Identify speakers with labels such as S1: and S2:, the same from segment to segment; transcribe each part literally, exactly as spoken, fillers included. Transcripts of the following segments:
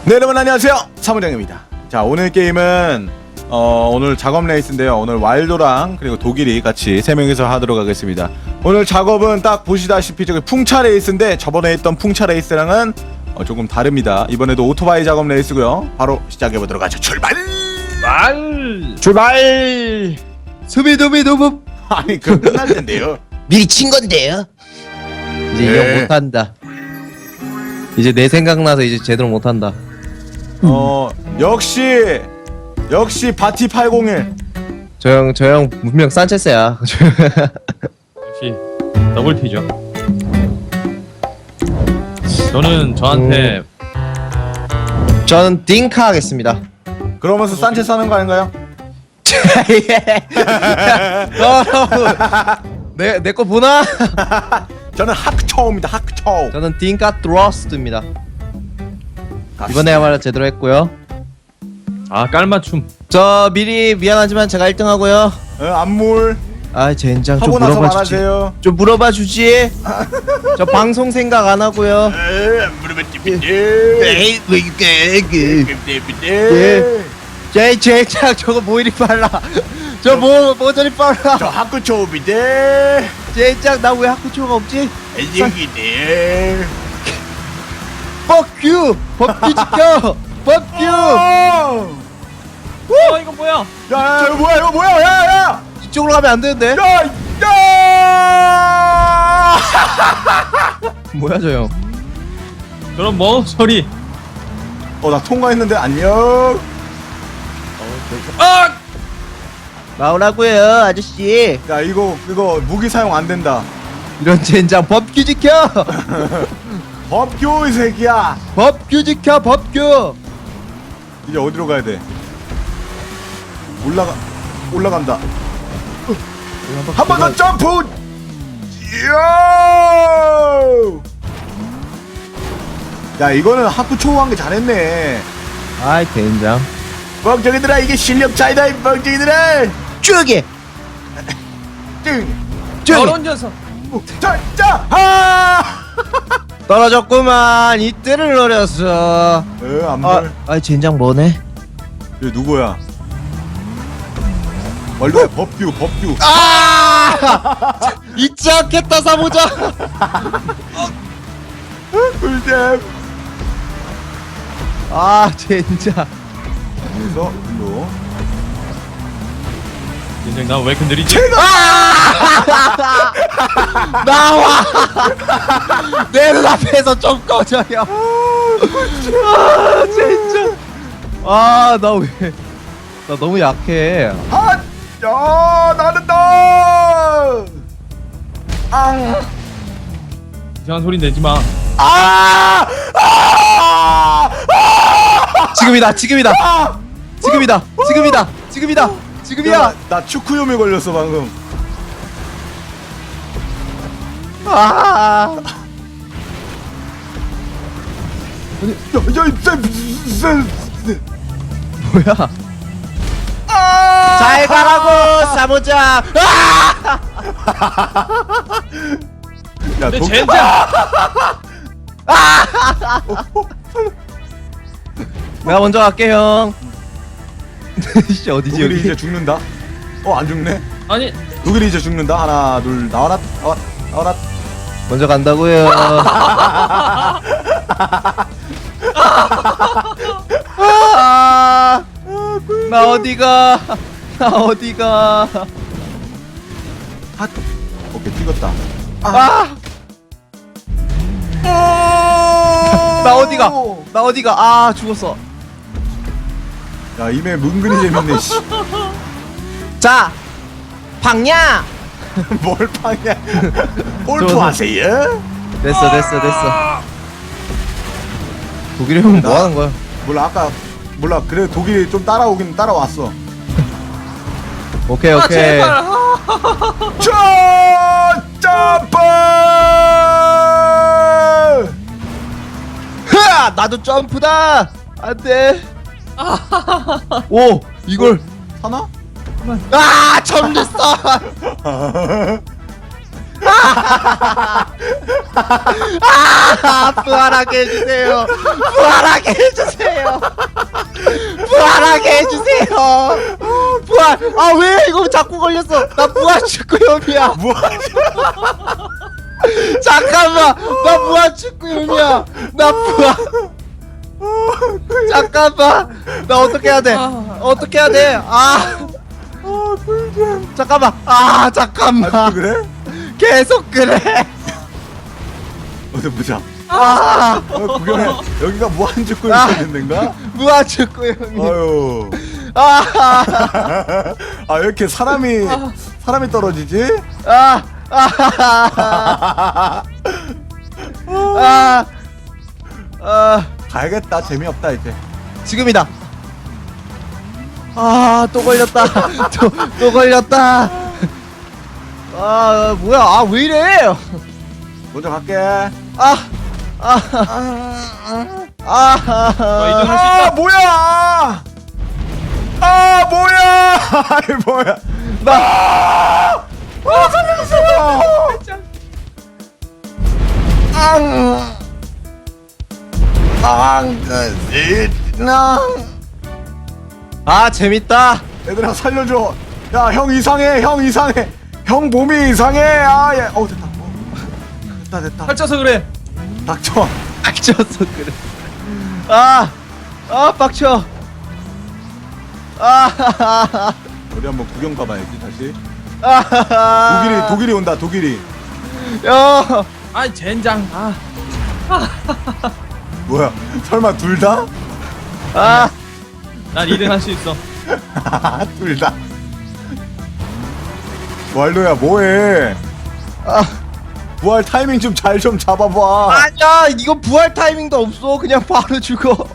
S1: 네, 여러분 안녕하세요, 사무장입니다. 자, 오늘 게임은 어, 오늘 작업 레이스인데요. 오늘 왈도랑 그리고 독일이 같이 세 명이서 하도록 하겠습니다. 오늘 작업은 딱 보시다시피 저기 풍차 레이스인데 저번에 했던 풍차 레이스랑은 어, 조금 다릅니다. 이번에도 오토바이 작업 레이스고요. 바로 시작해보도록 하죠. 출발!
S2: 말
S3: 출발! 수비두비두부.
S1: 아니 그 끝날 텐데요.
S3: 미리 친 건데요.
S2: 이제
S1: 네.
S2: 이형 못한다. 이제 내 생각나서 이제 제대로 못한다.
S1: 어 역시 역시 바티 팔공일.
S2: 저 형 저 형 분명 산체스야.
S4: 역시 더블 T죠. 저는 저한테
S2: 저는 딩카 하겠습니다.
S1: 그러면서 산체스 하는 거 아닌가요?
S2: 내내 거 보나?
S1: 저는 하크초우입니다. 하크초우.
S2: 저는 딩카 트러스트입니다. 이번에야말로 제대로 했고요.
S4: 아 깔맞춤.
S2: 저 미리 미안하지만 제가 일 등 하고요.
S1: 어, 안물
S2: 아 젠장 좀
S1: 하고 나서
S2: 물어봐 주지.
S1: 말하세요.
S2: 좀 물어봐 주지. 저 방송 생각 안 하고요. 에이 왜 이게 예. 제 젠장 저거 뭐 이리 빨라. 저 뭐 뭐 저리 빨라.
S1: 저 하크초우입니다.
S2: 젠장 나 왜 학구초가 없지?
S1: 애정이네.
S2: Fuck you! 법규 지켜! Fuck you!
S1: 야,
S4: 어 이거 뭐야?
S1: 야, 이거 뭐야? 이거 뭐야? 야, 야!
S2: 이쪽으로 가면 안 되는데?
S1: 야, 야!
S2: 뭐야 저 형?
S4: 그럼 뭐 소리?
S1: 어, 나 통과했는데 안녕.
S4: 아!
S2: 나오라고요 아저씨.
S1: 야, 이거 이거 무기 사용 안 된다.
S2: 이런 젠장 법규 지켜!
S1: 법규 이 새끼야.
S2: 법규 지켜 법규!
S1: 이제 어디로 가야 돼? 올라가 올라간다. 한 번 더 점프. 이야! 야, 이거는 하프초우 한 게 잘했네.
S2: 아이 젠장.
S1: 뻥정이들아, 이게 실력 차이다. 이 뻥정이들아.
S2: 쭉이!
S1: 띵.
S2: 쭉이!
S4: 저런 녀석.
S1: 자, 자, 하!
S2: 떨어졌구만 이때를 노렸어.
S1: 에,
S2: 아,
S1: 안물.
S2: 아이 젠장 뭐네?
S1: 얘 누구야? 원래 법규, 법규.
S2: 아! 잊지 않겠다 사모자.
S1: 꿀잼.
S2: 아 젠장.
S1: 그래서 일로.
S4: 인생 나 왜 이렇게 느리지?
S2: 나와! 내 눈앞에서 좀 꺼져요. 아 진짜. 아 나 왜? 나 너무 약해.
S1: 아, 야, 나는다. 앙.
S4: 이상한 소리 내지 마.
S1: 아! 아!
S2: 지금이다 지금이다 지금이다 지금이다 지금이다 지금이야.
S1: 야, 나 축구염에 걸렸어 방금.
S2: 아
S1: 아니, 야, 야, 이 쎄,
S2: 뭐야?
S1: 아!
S2: 잘 가라고 사모자.
S1: 야,
S4: 내
S1: 독-
S4: 젠장.
S2: 내가 먼저 갈게 형. 씨 어디지
S1: 독일이
S2: 여기?
S1: 이제 죽는다. 어, 안 죽네.
S4: 아니
S1: 독일이 이제 죽는다. 하나, 둘, 나와라, 나와라, 나와라.
S2: 먼저 간다고요. 아, 나 어디가? 나 어디가?
S1: 핫. 오케이, 찍었다.
S2: 아, 나 어디가? 나 어디가? 아 죽었어.
S1: 야, 이메 은근히 재밌네. 씨.
S2: 자, 박냐?
S1: 뭘 파냐? 골프
S2: 저거-
S1: 하세요?
S2: 됐어 됐어 됐어. 독일 형은 뭐 하는 거야?
S1: 몰라, 아까 몰라. 그래, 독일이 좀 따라오긴 따라왔어.
S2: 오케이
S4: 아
S2: 오케이.
S4: 제발.
S1: 자, 점프!
S2: 흐아! 나도 점프다. 안돼. 오 이걸.
S1: 하나?
S2: 아 처음 됐어. 아! 아, 부활하게 해주세요. 부활하게 해주세요. 부활하게 해주세요. 부활. 아, 왜 이거 자꾸 걸렸어? 나 부활 축구염이야.
S1: 뭐하냐?
S2: 잠깐만. 나 부활 축구염이야. 나 부활. 잠깐만. 나 어떻게 해야 돼? 어떻게 해야 돼? 아.
S1: 아, 꿀잼.
S2: 잠깐만. 아, 잠깐만.
S1: 아직도 그래?
S2: 계속 그래.
S1: 어디 보자.
S2: 아,
S1: 어, 구경해. 여기가 무한축구
S2: 아.
S1: 있는 데인가?
S2: 무한 축구염이.
S1: 아유.
S2: 아.
S1: 아, 왜 이렇게 사람이 사람이 떨어지지?
S2: 아, 아, 아, 아,
S1: 가야겠다. 재미없다 이제.
S2: 지금이다. 아, 또 걸렸다. 또, 또 걸렸다. 아, 뭐야? 아, 왜 이래?
S1: 먼저 갈게.
S2: 아, 아, 아, 아,
S4: 어, 이제
S2: 아,
S4: 할 수 있다.
S1: 아, 뭐야? 아, 뭐야? 아이, 뭐야?
S2: 나,
S1: 아, 살려주세요.
S2: 앙,
S1: 앙, 나.
S2: 아, 재밌다.
S1: 얘들아 살려줘. 야, 형 이상해. 형 이상해. 형 몸이 이상해. 아, 예. 어, 됐다. 어. 됐다, 됐다.
S4: 살쪄서 그래.
S1: 닥쳐.
S2: 빡쳐서 그래. 아, 아, 빡쳐. 아,
S1: 우리 한번 구경 가봐야지 다시.
S2: 아,
S1: 독일이 독일이 온다. 독일이.
S2: 야,
S4: 아 젠장. 아.
S1: 뭐야? 설마 둘 다?
S2: 아,
S4: 난 이 등 할 수 있어.
S1: 둘 다. 왈도야 뭐해?
S2: 아,
S1: 부활 타이밍 좀 잘 좀 잡아봐.
S2: 아니야, 이거 부활 타이밍도 없어. 그냥 바로 죽어.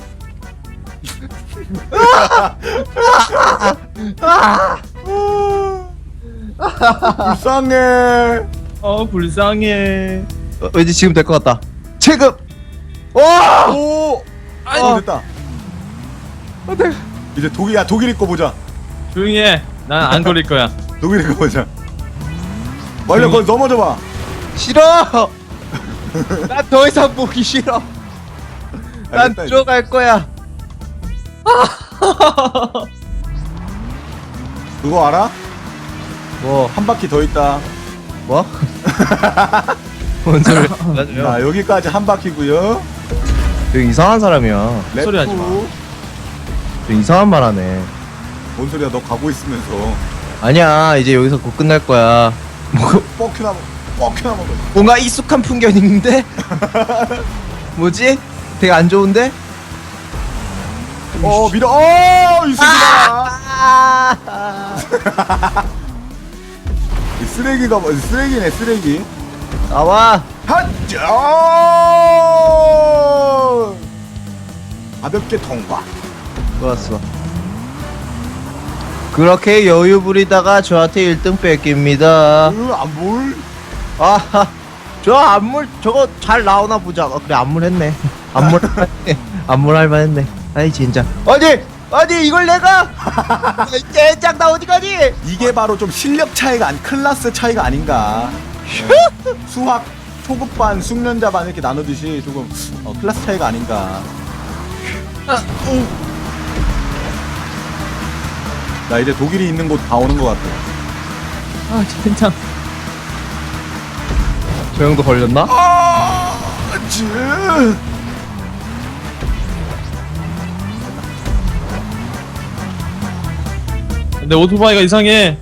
S1: 불쌍해.
S4: 어 불쌍해.
S2: 어, 왠지 지금 될 것 같다. 지금. 와,
S1: 오.
S4: 아이,
S1: 어, 됐다.
S2: 어때?
S1: 이제 독일 야 독일이 거 보자.
S4: 조용히 해. 난 안 걸릴 거야.
S1: 독일이 거 보자. 완료 거기 넘어져 봐.
S2: 싫어. 난 더 이상 보기 싫어. 난
S1: 알겠다, 이제.
S2: 들어갈 거야.
S1: 그거 알아?
S2: 뭐,
S1: 한 바퀴 더 있다.
S2: 뭐? 뭔 소리?
S1: 자 여기까지 한 바퀴고요.
S2: 되게 이상한 사람이야.
S4: 소리 하지 마.
S2: 되게 이상한 말 하네.
S1: 뭔 소리야? 너 가고 있으면서
S2: 아니야, 이제 여기서 곧 끝날 거야. 뭐,
S1: 뻑큐나 뻑큐나 먹어.
S2: 뭔가 익숙한 풍경인데? 뭐지? 되게 안 좋은데?
S1: 어 밀어. 어이 새끼다.
S2: 아!
S1: 이 쓰레기가 뭐 쓰레기네 쓰레기.
S2: 나와.
S1: 하자. 가볍게 통과.
S2: 좋았어. 그렇게 여유 부리다가 저한테 일 등 뺏깁니다.
S1: 으안 볼.
S2: 아, 저 안물 저거 잘 나오나 보자. 어, 그래 안물 했네. 안물 할만했네. 안물 할만했네. 아이 진짜. 어디 어디 이걸 내가? 젠장 나 어디 가니?
S1: 이게 바로 좀 실력 차이가 안 클래스 차이가 아닌가. 수학 초급반 숙련자반 이렇게 나누듯이 조금 어, 클래스 차이가 아닌가. 나 이제 독일이 있는 곳 다 오는 것 같아.
S4: 아 젠장.
S2: 저 형도 걸렸나?
S1: 아, 쯔.
S4: 근데 오토바이가 이상해.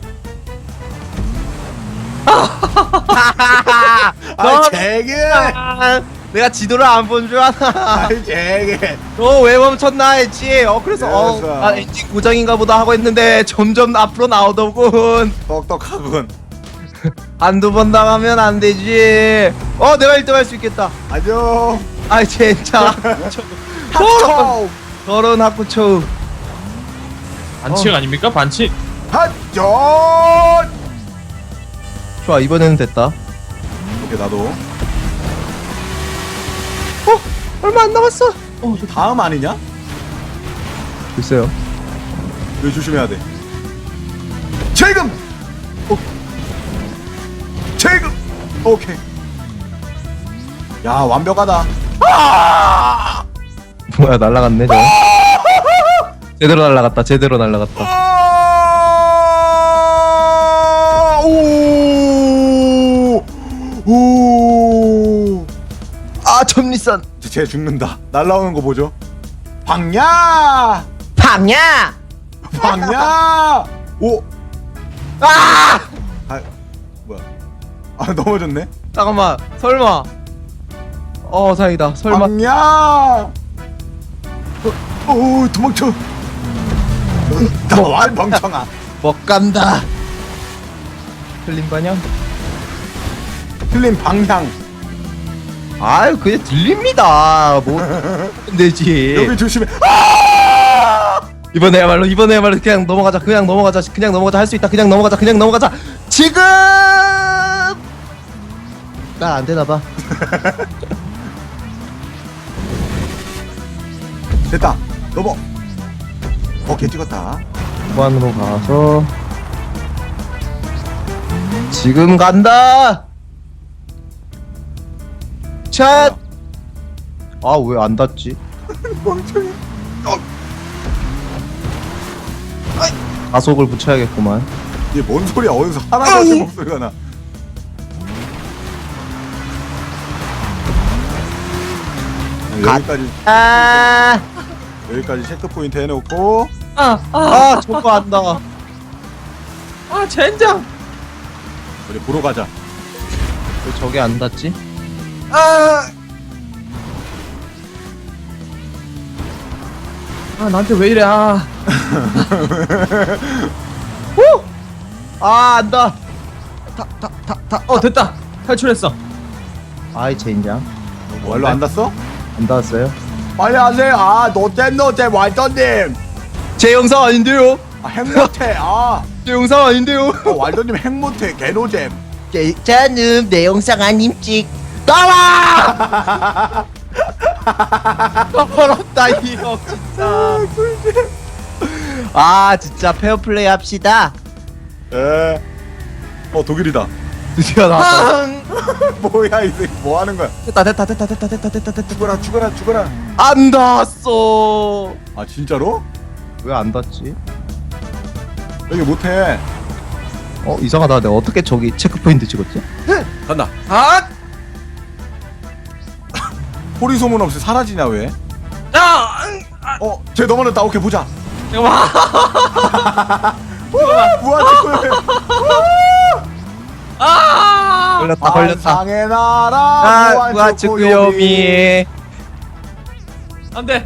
S1: 아, 제게.
S2: 아, 내가 지도를 안 본 줄 아나.
S1: 아, 제게.
S2: 어왜 멈췄나 했지. 어 그래서 어
S1: 그래서.
S2: 아, 엔진 고장인가 보다 하고 했는데 점점 앞으로 나오더군.
S1: 똑똑하군.
S2: 한두 번 당하면 안 되지. 어 내가 일 등 할 수 있겠다.
S1: 안녕.
S2: 아이 진짜.
S1: 하초.
S2: 더러운 학구초.
S4: 반칙 아닙니까? 반칙.
S1: 하초.
S2: 좋아 이번에는 됐다.
S1: 오케이 나도.
S2: 어 얼마 안 남았어.
S1: 다음 아니냐?
S2: 글쎄요.
S1: 이거 조심해야 돼. 지금. 어. 지금. 오케이. 야 완벽하다. 아!
S2: 뭐야 날라갔네 저. 제대로 날라갔다. 제대로 날라갔다.
S1: 아! 오! 오!
S2: 아 점리선.
S1: 쟤 죽는다. 날라오는 거 보죠. 방야!
S2: 방야.
S1: 방야! 오!
S2: 아!
S1: 아 뭐야? 아 넘어졌네.
S2: 잠깐만. 설마. 어 다행이다. 설마.
S1: 방야! 어, 오 도망쳐. 나와 멍청아.
S2: 못 간다. 틀린 거냐?
S1: 틀린 방향.
S2: 아유 그냥 들립니다. 뭐 되지.
S1: 여기 조심해. 아!
S2: 이번에야말로 이번에야말로 그냥 넘어가자. 그냥 넘어가자. 그냥 넘어가자. 할 수 있다. 그냥 넘어가자. 그냥 넘어가자. 지금. 나 안 되나 봐.
S1: 됐다. 넘어. 오케이 찍었다.
S2: 후반으로 가서 지금 간다. 샷. 아 왜 안 닿지?
S1: 멍청이. 어,
S2: 가속을 붙여야겠구만.
S1: 얘 뭔 소리야? 어디서 할아버지 목소리가 나. 아, 여기까지
S2: 아,
S1: 여기까지 체크 포인트 해놓고
S4: 아, 아,
S2: 아 저거 안다.
S4: 아, 젠장.
S1: 우리 보러 가자.
S2: 왜 저게 안 닿지?
S1: 아,
S4: 아, 나한테 왜 이래? 아,
S2: 아 안다. 타타타타.
S4: 어, 됐다. 탈출했어.
S2: 아이 젠장.
S1: 원로 안 닿았어?
S2: 안 닿았어요?
S1: 빨리 하세요. 아, 노잼 노잼 왈더님.
S2: 제 영상 아닌데요?
S1: 아, 핵 못해. 아,
S2: 제 영상 아닌데요?
S1: 어, 왈더님 핵 못해. 개노잼.
S3: 저는 내 영상 아님 찍.
S2: 나와! 더럽다 이거 진짜. 아 진짜 페어플레이 합시다.
S1: 에. 어, 독일이다.
S2: 드디어 나왔다.
S1: 뭐야 이 새끼 뭐 하는 거야?
S2: 됐다 됐다 됐다 됐다 됐다 됐다 됐다.
S1: 죽어라 죽어라 죽어라.
S2: 안 닿았어.
S1: 아 진짜로?
S2: 왜 안 닿지?
S1: 여기 못해.
S2: 어 이상하다. 내가 어떻게 저기 체크포인트 찍었지?
S1: 간다.
S4: 아,
S1: 소리 소문 없이 사라지냐 왜?
S4: 아,
S1: 어, 쟤 넘어졌다. 오케이 보자.
S4: 잠깐만.
S1: 우와, 무한 직구해.
S4: 아,
S2: 걸렸다 걸렸다.
S1: 상의 나라.
S2: 아 무한 축구요미.
S4: 안돼.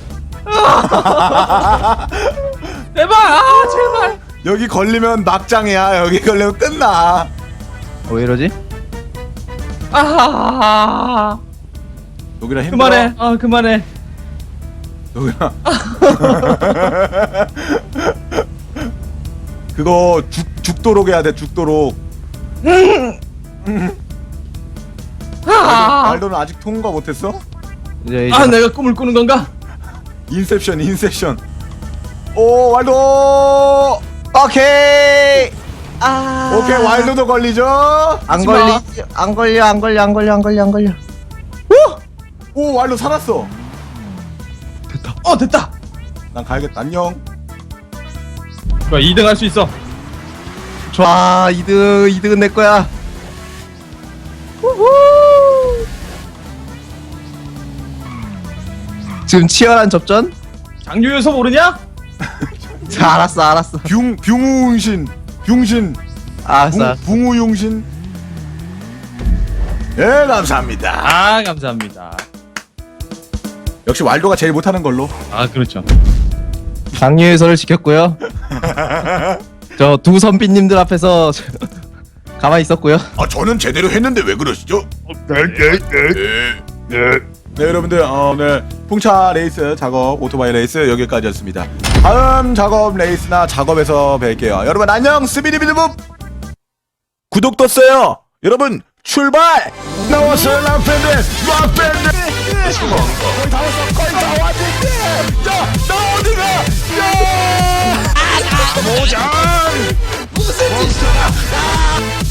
S4: 제발, 아, 제발.
S1: 여기 걸리면 막장이야. 여기 걸리면 끝나.
S2: 어, 왜 이러지?
S4: 아,
S1: 여기라 힘들어.
S4: 그만해. 아, 그만해.
S1: 여기라. 그거 죽 죽도록 해야 돼. 죽도록.
S4: 아,
S1: 말도는 아직 통과 못했어?
S2: 이제 이제
S4: 아, 내가 꿈을 꾸는 건가?
S1: 인셉션, 인셉션. 오, 왈도.
S2: 오케이. 아
S1: 오케이, 왈도도 걸리죠?
S2: 안
S4: 하지 마.
S2: 걸리 안 걸려 안 걸려 안 걸려 안 걸려 안 걸려.
S1: 오, 왈도 살았어.
S4: 어, 됐다.
S1: 난 가야겠다. 안녕.
S4: 좋아, 이 등 할 수 있어.
S2: 좋아 이 등 이 등은 내 거야. 우후. 지금 치열한 접전?
S4: 장유유서 모르냐?
S2: 자, 알았어 알았어
S1: 뷰, 뷰웅신. 뷰신.
S2: 알았어. 알았어.
S1: 붕우용신. 예, 감사합니다.
S4: 아, 감사합니다.
S1: 역시 왈도가 제일 못하는 걸로.
S4: 아, 그렇죠.
S2: 장유유서를 지켰고요. 저 두 선비님들 앞에서 가만히 있었고요.
S1: 아, 저는 제대로 했는데 왜 그러시죠? 네, 네, 네. 네. 네, 여러분들, 어, 오늘 풍차 레이스 작업, 오토바이 레이스 여기까지였습니다. 다음 작업 레이스나 작업에서 뵐게요. 여러분 안녕, 스비디비드봅. 구독 떴어요. 여러분 출발. 나왔어요, 락밴드, 락밴드. 거의 다 왔어, 거의 다 왔는데. 야, 나 어디가? 야, 아, 모장. 무슨 짓이야?